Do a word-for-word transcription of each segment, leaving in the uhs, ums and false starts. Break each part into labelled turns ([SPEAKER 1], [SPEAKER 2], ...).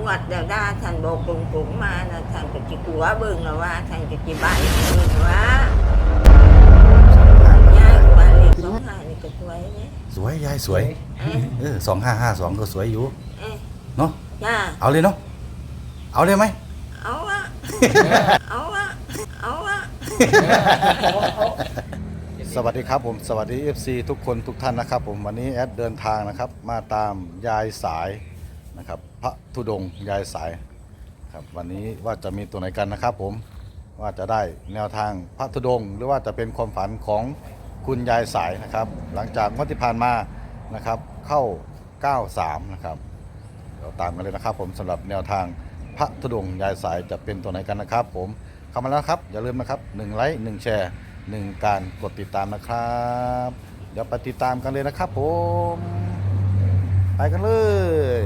[SPEAKER 1] วัดเดี๋ยวได้ท่านบอกตรงๆมานะท่านก็จิกัวเบิ่งแล้วว่าท่านก็จิบ้านเบิ่งว่าย่ายว่าเลขสองห้านี่ก็สวยเนี่ย
[SPEAKER 2] สวยยายสวยเออสองห้าห้าสองก็สวยอยู่
[SPEAKER 1] เอ๊ะ
[SPEAKER 2] เนาะ
[SPEAKER 1] จ้า
[SPEAKER 2] เอาเลยเนาะเอาเลยไหม
[SPEAKER 1] เอาวะเอาวะเอาวะ
[SPEAKER 2] สวัสดีครับผมสวัสดี เอฟ ซี ทุกคนทุกท่านนะครับผมวันนี้แอดเดินทางนะครับมาตามยายสายนะครับพระธุดงค์ยายสายครับวันนี้ว่าจะมีตัวไหนกันนะครับผมว่าจะได้แนวทางพระธุดงค์หรือว่าจะเป็นความฝันของคุณยายสายนะครับหลังจากงวดที่ผ่านมานะครับเข้าเก้าสามนะครับเราตามกันเลยนะครับผมสำหรับแนวทางพระธุดงค์ยายสายจะเป็นตัวไหนกันนะครับผมเข้ามาแล้วครับอย่าลืมนะครับหนึ่งไลค์หนึ่งแชร์หนึ่งการกดติดตามนะครับเดี๋ยวไปติดตามกันเลยนะครับผมไปกันเลย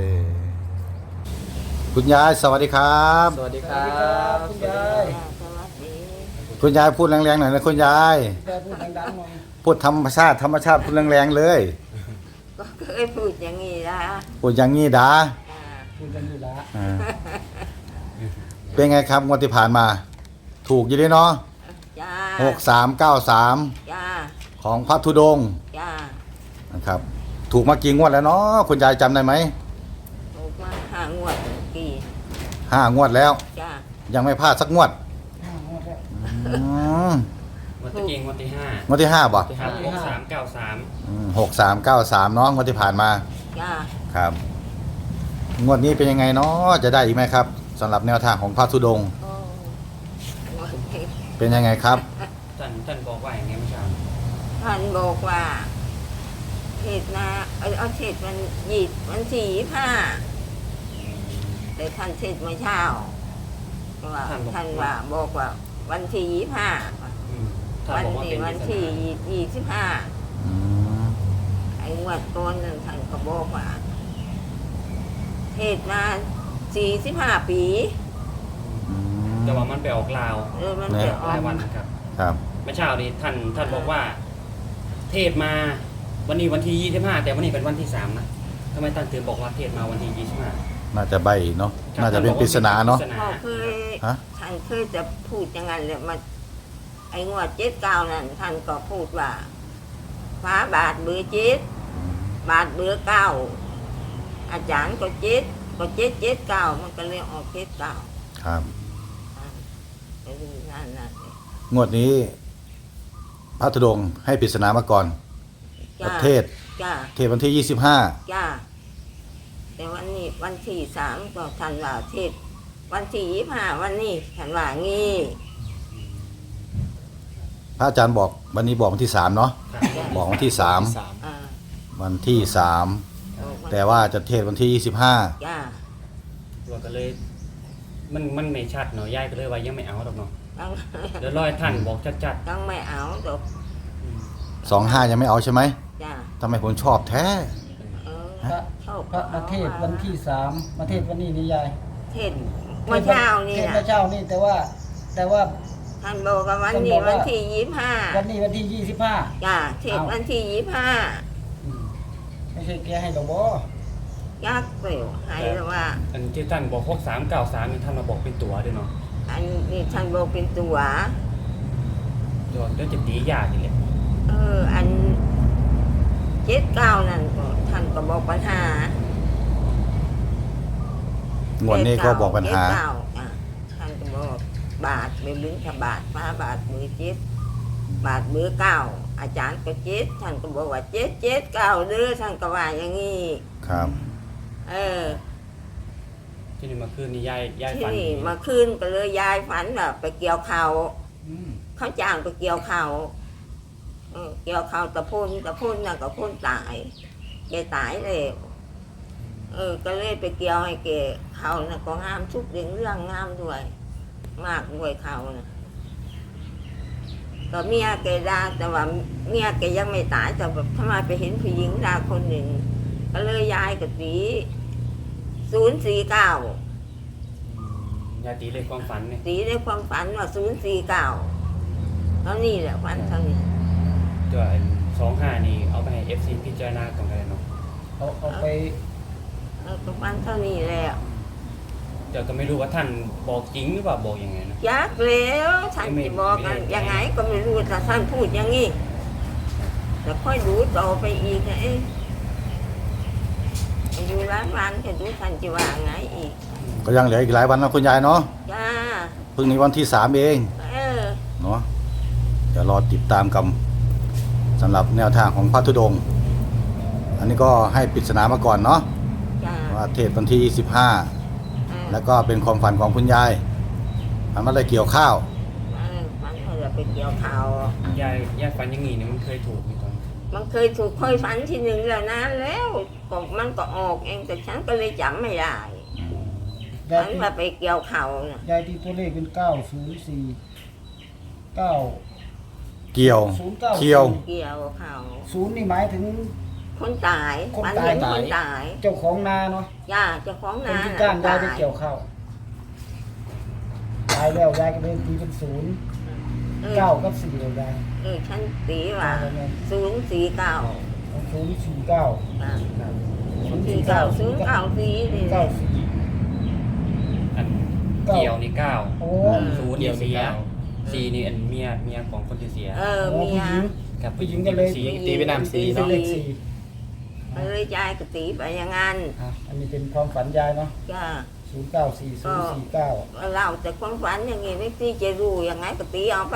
[SPEAKER 2] คุณยายสวัสดีครับ
[SPEAKER 3] สวัสดีครับคุณยาย
[SPEAKER 1] สวัสดี
[SPEAKER 2] คุณยายพูดแรงๆหน่อยนะคุณยาย
[SPEAKER 3] ยายพูดดังๆหน่อย
[SPEAKER 2] พูดธรรมชาติธรรมชาติพูดแรงๆเลย
[SPEAKER 1] ก็เคยพูดอย่างนี้นะ
[SPEAKER 2] พูดอย่างนี้ดา
[SPEAKER 1] จ้า
[SPEAKER 3] พูดกันอยู่ละ
[SPEAKER 2] อ่าเป็นไงครับงวดที่ผ่านมา ถูกอยู่ด้วยเนาะ
[SPEAKER 1] จ้า
[SPEAKER 2] หกสามเก้าสาม
[SPEAKER 1] จ้า
[SPEAKER 2] ของพระธุดงค์
[SPEAKER 1] จ้า
[SPEAKER 2] นะครับถูกมากี่งวดแล้วเนาะคุณยายจำได้ไหม
[SPEAKER 1] ออกมาหางวดกี่
[SPEAKER 2] ห้างวดแล้ว
[SPEAKER 1] จ้า
[SPEAKER 2] ยังไม่พลาดสักงวด
[SPEAKER 3] ห้างวดแล้ว
[SPEAKER 2] อืม
[SPEAKER 4] วันที่เก่งวันที่ห้าง
[SPEAKER 2] วดที่ห้าบ่
[SPEAKER 4] ที่ห้าหกสามเก้าสาม
[SPEAKER 2] หกสามเก้าสามเนาะงวดที่ผ่านมา
[SPEAKER 1] จ้า
[SPEAKER 2] ครับงวดนี้เป็นยังไงเนาะจะได้อีกไหมครับสำหรับแนวทางของพระธุดงค์
[SPEAKER 1] โอ้งวดนี้
[SPEAKER 2] เป็นยังไงครับ
[SPEAKER 4] ท่านท่านบอกว่าอย่างไงเมื่อเช้า
[SPEAKER 1] ท่านบอกว่าเทศนาเอาเอาเทศมันหยิดมันสี่ห้าแต่ท่านเทศเมื่อเช้าว่าท่านว่าบอกว่าวันที่ยี่ห้า
[SPEAKER 4] อืมท่าน
[SPEAKER 1] วัน
[SPEAKER 4] บอกว่า
[SPEAKER 1] นี้
[SPEAKER 4] เป็น
[SPEAKER 1] วันที่ยี่สิบห้า
[SPEAKER 2] อืม
[SPEAKER 1] ไอ้งวดต้นนั้นท่านก็บอกว่าเทศมาสี่สิบห้าปี
[SPEAKER 2] อืม
[SPEAKER 4] แต่ว่ามันไปออกลาว
[SPEAKER 1] เออมันจะอ
[SPEAKER 4] ห
[SPEAKER 1] อ
[SPEAKER 4] ลาก ยวันนะครับ
[SPEAKER 2] ครับ
[SPEAKER 4] เมื่อเช้านี้ท่านท่านบอกว่า เทศมาวันนี้วันที่ยี่สิบห้าแต่วันนี้เป็นวันที่สามนะทำไมท่านถึงบอกว่าเทศมาวันที่ยี่สิบห้า
[SPEAKER 2] น่าจะใบเนาะน่าจะเป็นปริศนาเนาะ
[SPEAKER 1] เขาเคย
[SPEAKER 2] ฮะ
[SPEAKER 1] ท่านเคยจะพูดอย่างนั้นเลยมาไอ้งวดเจ็ดเก้านั่นท่านก็พูดว่าฟ้าบาทเบือเจ็ดบาทเบือเก้าอาจารย์ก็เจ็ดก็เจ็ดเจ็ดเก้ามันก็เลยออกเจ็ดเก้า
[SPEAKER 2] ครับ
[SPEAKER 1] ไปดูนั่นนั่น
[SPEAKER 2] งวดนี้พระธุดงค์ให้ปริศนามาก่อน
[SPEAKER 1] จ้า
[SPEAKER 2] ประเทศ
[SPEAKER 1] จ้า
[SPEAKER 2] เทศวันที่ยี่สิบห้า
[SPEAKER 1] จ้าแต่วันนี้วันที่สามก็ท่านว่าเทศวันที่ยี่ห้าวันนี้ท่านว่างี้
[SPEAKER 2] พระอาจารย์บอกวันนี้บอกวันที่สามเนาะ
[SPEAKER 4] ครับ
[SPEAKER 2] บอกวันที่สาม
[SPEAKER 1] อ่า
[SPEAKER 2] วันที่สาม
[SPEAKER 1] บอกวัน
[SPEAKER 2] แต่ว่าจะเทศวันที่ยี่สิบห้า
[SPEAKER 1] จ้า
[SPEAKER 4] ตัวก็เลย มันมันไม่ชัดเนาะยายก็เลยว่ายังไม่เอาหรอกเนาะ
[SPEAKER 1] ต้อง
[SPEAKER 4] เดี๋ยวรอให้ท่านบอกชัด
[SPEAKER 1] ต้องไม่เอาดอก
[SPEAKER 4] ๆอืม
[SPEAKER 2] สองห้ายังไม่เอาใช่ไหม
[SPEAKER 1] จ้า
[SPEAKER 2] ทำไมผมชอบแท้
[SPEAKER 1] เออ
[SPEAKER 3] พระ
[SPEAKER 1] เข้า
[SPEAKER 3] พระมาเทศวันที่สามมาเทศวันนี้นี่ยาย
[SPEAKER 1] เทศเมื่อเช้านี่
[SPEAKER 3] เทศ
[SPEAKER 1] นะ
[SPEAKER 3] เมื่อเช้านี่แต่ว่า แต่ว่า
[SPEAKER 1] ท่านบอกว่าวันนี้วันที่ยี่ห้า
[SPEAKER 3] วันนี้วันที่ยี่สิบห้า
[SPEAKER 1] จ้าเทศวันที่ยี่ห้า
[SPEAKER 3] ไม่ใช่แกให้ดอกบอ
[SPEAKER 1] ยักษ์เปลวให้แล้วว่า
[SPEAKER 4] อันที่ท่านบอกหกสามเก้าสามนี่ท่านมาบอกเป็นตัวด้วยเนาะ
[SPEAKER 1] อันนี้ท่านบอกเป็นตัว
[SPEAKER 4] ตัวเดี๋ยวจะตียากนี่แหละ
[SPEAKER 1] เอออันเจ็ดเก้านั่นก็ท่านก็บอกปัญหาง
[SPEAKER 2] วดนี้ก็บอกปัญหา
[SPEAKER 1] เจ็ดเก้อ่ะท่านก็บอกบาทเบลึงถ้าบาทฟ้าบาทมือเจ็ดบาทมือเก้าอาจารย์ก็เจ็ดท่านก็บอกว่าเจ็ดเจ็ดเก้าเด้อท่านก็ว่าอย่างนี้
[SPEAKER 2] ครับ
[SPEAKER 1] เออ
[SPEAKER 4] ที่นี่เมาคืนนี่ยายยาย
[SPEAKER 1] ที่
[SPEAKER 4] ฝัน
[SPEAKER 1] นี่มาคืนก็เลยยายฝันแบบไปเกี่ยวเขาว
[SPEAKER 3] อืม
[SPEAKER 1] เขาจ้างไปเกี่ยวเขาวเออเกี่ยวเขาวตะพุ่นตะพุ่นน่ะก็พุ่นตายแกตายเลยเออ ก็เลยไปเกี่ยวให้แกเขาน่ะก็งามทุกเรื่องเรื่องงามด้วย มากด้วยเขาน่ะก็เมียแกด่าแต่ว่าเมียแกยังไม่ตายแต่แบบทำไมไปเห็นผู้หญิงด่าคนหนึ่งก็เลยยายกับตีศูนย์สี่เก้า
[SPEAKER 4] ยายตีเลยความฝันเนี่ย
[SPEAKER 1] ตีในความฝันว่าศูนย์สี่เก้าเท่านี้แหละฝันเท่านี้
[SPEAKER 4] ตัวสองห้านี่เอาไปให้เอฟซีพิจารณาก่อนกันเลยเนาะ
[SPEAKER 3] เอาเอาไป
[SPEAKER 1] เออก็ฝันเท่านี้แหละ
[SPEAKER 4] คแต่ก็ไม่รู้ว่าท่านบอกจริงหรือเปล่าบอกยังไงนะ
[SPEAKER 1] ยักแล้วท่าน
[SPEAKER 4] ไม่
[SPEAKER 1] จะบอกกัน
[SPEAKER 4] ไม่
[SPEAKER 1] ยังไงก็ไม่รู้แต่ท่านพูดอย่างนี้แต่ค่อยดูต่อไปอีกนะเอ๊ะอยู่ร้านวันจะดูท่านจะว่าไงอีก
[SPEAKER 2] ก็ยังเหลืออีกหลายวันนะคุณยายเนาะ
[SPEAKER 1] จ้า
[SPEAKER 2] เพิ่งนี้วันที่สามเอง
[SPEAKER 1] เออ
[SPEAKER 2] เนาะเดี๋ยวรอติดตามกันสำหรับแนวทางของพระธุดงค์อันนี้ก็ให้ปริศนามาก่อนเนาะ
[SPEAKER 1] จ้า
[SPEAKER 2] ว่าเทศวันที่ยี่สิบห้า
[SPEAKER 1] เออ
[SPEAKER 2] แล้วก็เป็นความฝันของคุณยายมันไม่ได้เกี่ยวข้าว
[SPEAKER 1] เออมันก็จะไปเกี่ยวข่าวย
[SPEAKER 4] ายยายฝันอยังงี้เนี่ยมันเคยถูกอยู่ตอน
[SPEAKER 1] มันเคยถูกค่อยฝันทีหนึ่งแล้วนานแล้วก็มันก็ออกเองแต่ฉันก็เลยจำไม่ได้
[SPEAKER 3] ยาย
[SPEAKER 1] ฉัน
[SPEAKER 3] ตี
[SPEAKER 1] ว่าไปเกี่ยวข่าวน่ะ
[SPEAKER 3] ยายตีตัวเลขเป็นเก้าศูนย์สี่เก้า
[SPEAKER 2] เกี่ยว
[SPEAKER 3] ศูนย์เก้า
[SPEAKER 2] เกี่ยว
[SPEAKER 1] เกี่ยวข่าว
[SPEAKER 3] ศูนย์นี่หมายถึง
[SPEAKER 1] คนตาย
[SPEAKER 3] คน
[SPEAKER 1] มัน
[SPEAKER 3] ตาย
[SPEAKER 1] เห็นคนตาย
[SPEAKER 3] เจ้าของนาเนาะ
[SPEAKER 1] ย่าเจ้าของ
[SPEAKER 3] คน
[SPEAKER 1] นา
[SPEAKER 3] ที่
[SPEAKER 1] น่ะ
[SPEAKER 3] จ้างยายไป
[SPEAKER 1] ตาย
[SPEAKER 3] เกี่ยวข้าวตายแล้วยายก็เลยตีเป็นศูนย์
[SPEAKER 1] เออ
[SPEAKER 3] เก้ากับสี่เลยยาย
[SPEAKER 1] เออฉันตีว่าศูนย์สี่เก้า
[SPEAKER 3] ศูนย์สี่เก้า
[SPEAKER 1] อ่ะ
[SPEAKER 3] ศูนย์
[SPEAKER 1] สี่
[SPEAKER 3] สี่
[SPEAKER 1] เก้า
[SPEAKER 3] เก้า
[SPEAKER 1] ศูนย์เก้าสี่นี่
[SPEAKER 3] เก้าสี่
[SPEAKER 4] อัน
[SPEAKER 3] เก้า
[SPEAKER 4] เกี่ยวนี่เก้า
[SPEAKER 3] โอ้
[SPEAKER 4] ศูนย์นี่เสียสี่นี่อันเมียเมียของคนที่เสีย
[SPEAKER 1] เออ
[SPEAKER 3] โอ้
[SPEAKER 1] เมีย
[SPEAKER 3] ผู้หญิง
[SPEAKER 4] ครับ
[SPEAKER 3] ผู้หญิงก็เลย
[SPEAKER 4] สีตีเป็นนามสี
[SPEAKER 3] เป็น
[SPEAKER 4] เนาะ
[SPEAKER 3] เลขสี่
[SPEAKER 1] เลยยายก็ตีไปอย่างนั้น
[SPEAKER 3] อ่ะอันนี้เป็นความฝันยายเนาะ
[SPEAKER 1] จ้า
[SPEAKER 3] ศูนย์เก้าสี่ศูนย์สี่เก้า
[SPEAKER 1] เราแต่ความฝันอย่างงี้ไม่ตีจะรู้ยังไงก็ตีเอาไป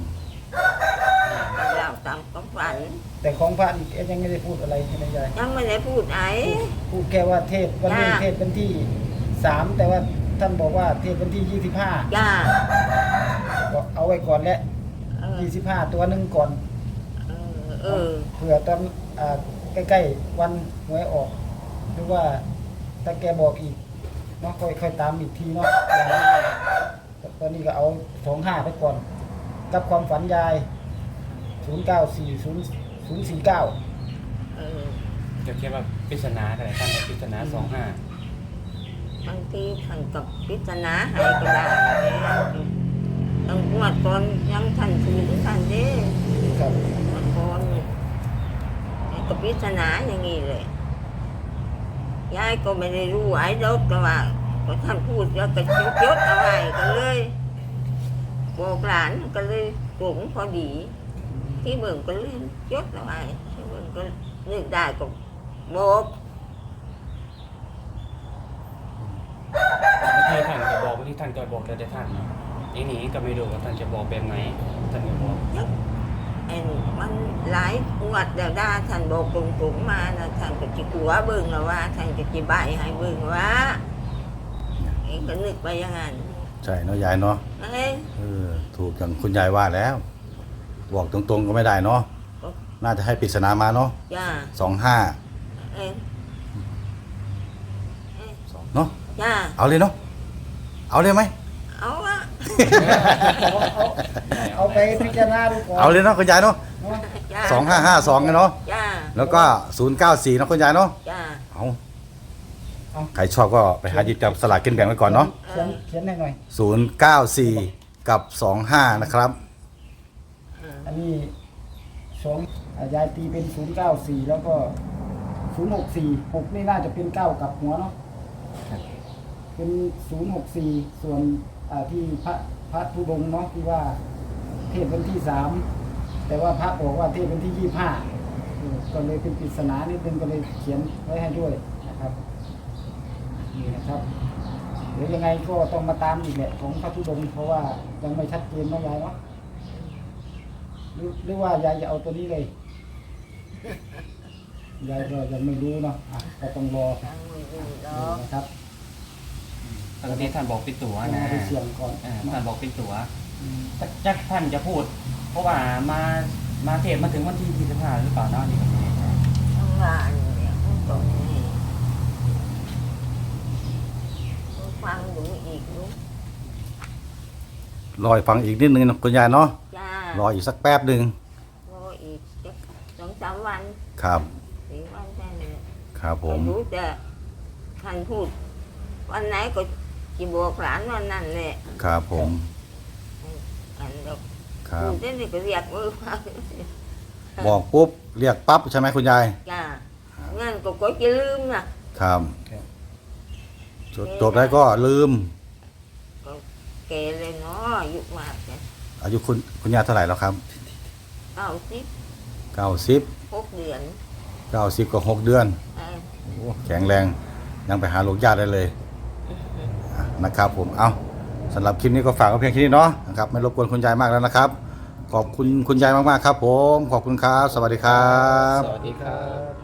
[SPEAKER 1] เราตามความฝัน
[SPEAKER 3] แต่ของพระนี่เอ๊ะยังไม่ได้พูดอะไรใช่ไหมยาย
[SPEAKER 1] ยังไม่ได้พูดไหน
[SPEAKER 3] พูดแค่ว่าเทศวันนี้
[SPEAKER 1] จ้า
[SPEAKER 3] เทศวันที่สามแต่ว่าท่านบอกว่าเทศวันที่ยี่สิบห้า
[SPEAKER 1] จ้า
[SPEAKER 3] ก็เอาไว้ก่อนแหละ
[SPEAKER 1] เออ
[SPEAKER 3] ยี่สิบห้าตัวหนึ่งก่อน
[SPEAKER 1] เออเออ
[SPEAKER 3] เผื่อตอนอ่าใกล้ๆวันหวยออก หรือว่าถ้าแกบอกอีกเนาะค่อยค่อยตามอีกทีเนาะยายแต่ตอนนี้ก็เอาสองห้าไปก่อน กับความฝันยายศูนย์เก้าสี่ศูนย์ศูนย์สี่เก้า
[SPEAKER 1] เออ
[SPEAKER 4] จะคิดว่าปริศนาอะไรท่านปริศนาสองห้า
[SPEAKER 1] บางทีท่านกับพิจารณาให้ก็ได้ตั้งงวดก่อนยังท่านถือท่านเด้
[SPEAKER 3] ครับ
[SPEAKER 1] งวดก่อนกับพิจารณาอย่างนี้เลยยายก็ไม่ได้รู้ไอ้ดอกก็ว่าก็ท่านพูดแล้วก็จดจดเอาไว้ก็เลยบอกหลานก็เลยกลุ่มพอดี ที่เบิ่งก็เลยจดเอาไว้ที่เบิ่งก็นึกได้ก็บอก
[SPEAKER 4] ที่ท่านจะบอกที่ท่านจะบอกแต่ท่านเนาะอย่างนี้ก็ไม่รู้ว่าท่านจะบอกแบบไหนท่านจะบอก
[SPEAKER 1] ไอ้มันหลายงวดเดี๋ยวได้ท่านบอกตรงๆมานะท่านก็จิกลัวเบิ่งแล้วว่าท่านก็จิใบให้เบิ่งว่าเองก็นึกไปอย่างนั้น
[SPEAKER 2] ใช่เนาะยายเนาะ
[SPEAKER 1] เอ้ย
[SPEAKER 2] เออถูกอย่างคุณยายว่าแล้ว บอกตรงๆก็ไม่ได้เนาะน่าจะให้ปริศนามาเนาะ
[SPEAKER 1] จ้า
[SPEAKER 2] สองห้า
[SPEAKER 1] เอ้ย
[SPEAKER 2] เนาะ
[SPEAKER 1] จ้า
[SPEAKER 2] เอาเลยเนาะเอาเลยไหม
[SPEAKER 1] เอาอะ
[SPEAKER 3] เอาเอาเอาไปพิจารณาดูก่อน
[SPEAKER 2] เอาเลยเนาะคุณยายเนาะ
[SPEAKER 3] เนาะ
[SPEAKER 1] จ้า
[SPEAKER 2] สองห้าห้าสองเนาะ
[SPEAKER 1] จ้า
[SPEAKER 2] แล้วก็ศูนย์เก้าสี่เนาะคุณยายเนาะ
[SPEAKER 1] จ้า
[SPEAKER 2] เอาใครชอบก็ไปหาหยิบจับสลากกินแบ่งไว้ก่อนเนาะ
[SPEAKER 3] เขียนเขียนให้หน่อย
[SPEAKER 2] ศูนย์เก้าสี่กับสองห้านะครับ
[SPEAKER 3] อันนี้สองอ่ายายตีเป็นศูนย์เก้าสี่แล้วก็ศูนย์หกสี่หกนี่น่าจะเป็นเก้ากับหัวเนาะเป็นศูนย์หกสี่ส่วนอ่าที่พระพระธุดงค์เนาะที่ว่าเทศวันที่สามแต่ว่าพระบอกว่าเทศวันที่ยี่ห้าก็เลยเป็นปริศนานิดนึงก็เลยเขียนไว้ให้ด้วยนะครับนี่นะครับเดี๋ยวยังไงก็ต้องมาตามอีกแหละของพระธุดงค์เพราะว่ายังไม่ชัดเจนเนาะยายเนาะ หรือหรือว่ายายจะเอาตัวนี้เลย ยายก็ยังไม่รู้เนาะอ่ะก็ต้องรอ
[SPEAKER 1] ยังไม่รู้หร
[SPEAKER 3] ดู
[SPEAKER 1] อก
[SPEAKER 3] นะครับ
[SPEAKER 4] ปกติท่านบอกเป็นตัวนะ
[SPEAKER 3] เอาไปเสี่ยงก่อน
[SPEAKER 4] เออท่านบอกเป็นตัว
[SPEAKER 3] อืม
[SPEAKER 4] จักท่านจะพูด เพราะว่ามามาเทศมาถึงวันที่ยี่สิบห้าหรือเปล่าเนาะนี่ก็ไม่แน่ใจ
[SPEAKER 1] ทั้งงานเนี่ยมันตรงนี้ฟังดูอีกดู
[SPEAKER 2] รออีกฟังอีกนิดนึงนะคุณยายเนาะ
[SPEAKER 1] จ้าร
[SPEAKER 2] ออีกสักแป๊บหนึ่ง
[SPEAKER 1] รออีกสักสองสามวัน
[SPEAKER 2] ครับ
[SPEAKER 1] สี่วันแค่นี้
[SPEAKER 2] ครับผม
[SPEAKER 1] รู้แต่ท่านพูด วันไหนก็จะบอกหลานวันนั้นแหละ
[SPEAKER 2] ครับผม
[SPEAKER 1] อันเรา
[SPEAKER 2] ครั
[SPEAKER 1] พู
[SPEAKER 2] บ
[SPEAKER 1] ดได้นี่ก็เรียกมือฟัง
[SPEAKER 2] บอกปุ๊บเรียกปั๊บใช่ไหมคุณยาย
[SPEAKER 1] จ้างั้นก็ก็จะลืมนะครับ
[SPEAKER 2] จบจบแล้วก็ลืม
[SPEAKER 1] ก็แกเลยเนาะอายุมากเนี่ย
[SPEAKER 2] อายุคุณคุณยายเท่าไหร่แล้วครับ
[SPEAKER 1] เก้าสิบ
[SPEAKER 2] เก้าสิบ
[SPEAKER 1] หกเดือน
[SPEAKER 2] เก้าสิบกับหกเดือน
[SPEAKER 1] เออ
[SPEAKER 2] โอ้แข็งแรงยังไปหาลูกญาติได้เลยอ่ะนะครับผมเอาสำหรับคลิปนี้ก็ฝากไว้เพียงแค่นี้เนาะนะครับไม่รบกวนคุณยายมากแล้วนะครับ ขอบคุณคุณยายมากๆครับผมขอบคุณครับ สวัสดีครับ
[SPEAKER 4] สวัสดีครับ